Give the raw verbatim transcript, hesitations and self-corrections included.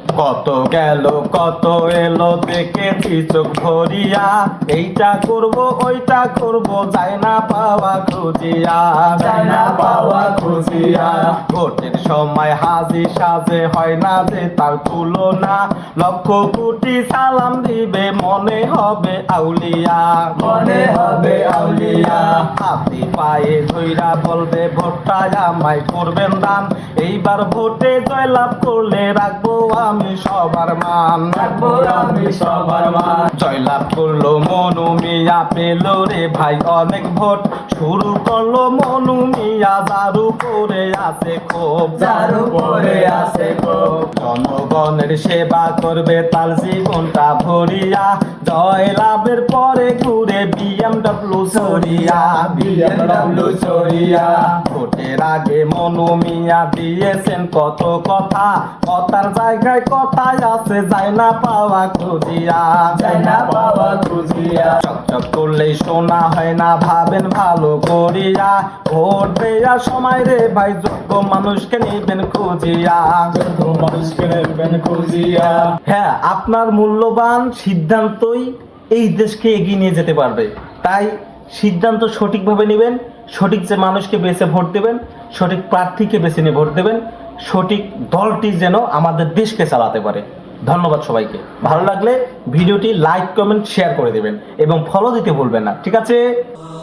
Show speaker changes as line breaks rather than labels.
কত গেল কত এলো দেখেছি চোখ ভরিয়া, এইটা করব ওইটা করব যায় না পাওয়া খুঁজিয়া,
যায় না পাওয়া খুঁজিয়া।
ভোটের সময় হাজি সাজে হয় না যে তার তুলনা, লক্ষ কোটি সালাম দিবে মনে হবে আউলিয়া,
মনে হবে আউলিয়া।
হাতি পায়ে ধইরা বলবে ভোটটা আমায় করবেন দান, এইবার ভোটে জয়লাভ করলে রাখবো আমি সবার মান,
রাখবো আমি সবার মান।
জয়লাভ করলো মনু মিয়া, পেল রে ভাই অনেক ভোট, শুরু করলো মনু মিয়া যার উপরে আছে ক্ষোভ,
যার উপরে আছে ক্ষোভ।
জনগণের সেবা করবে তার জীবনটা ভরিয়া, জয় লাভের পরে ঘুরে বিএমডব্লিউ চড়িয়া,
বিএমডব্লিউ চড়িয়া।
ভোটের আগে মনু মিয়া দিয়েছেন কত কথা, কথার জায়গায় কথাই আছে যায় না পাওয়া খুঁজিয়া,
যায় না পাওয়া খুঁজিয়া।
চকচক করলেই শোনা হয় না ভাবেন ভালো করিয়া, ভোট দেওয়ার সময় রে ভাই যোগ্য মানুষকে নিবেন খুঁজিয়া,
যোগ্য মানুষকে নেবেন খুঁজিয়া।
হ্যাঁ আপনার মূল্যবান সিদ্ধান্তই এই দেশকে এগিয়ে নিয়ে যেতে পারবে, তাই সিদ্ধান্ত সঠিকভাবে নেবেন, সঠিক যে মানুষকে বেছে ভোট দেবেন, সঠিক প্রার্থীকে বেছে নিয়ে ভোট দেবেন, সঠিক দলটি যেন আমাদের দেশকে চালাতে পারে। ধন্যবাদ সবাইকে। ভালো লাগলে ভিডিওটি লাইক কমেন্ট শেয়ার করে দেবেন এবং ফলো দিতে ভুলবেন না, ঠিক আছে।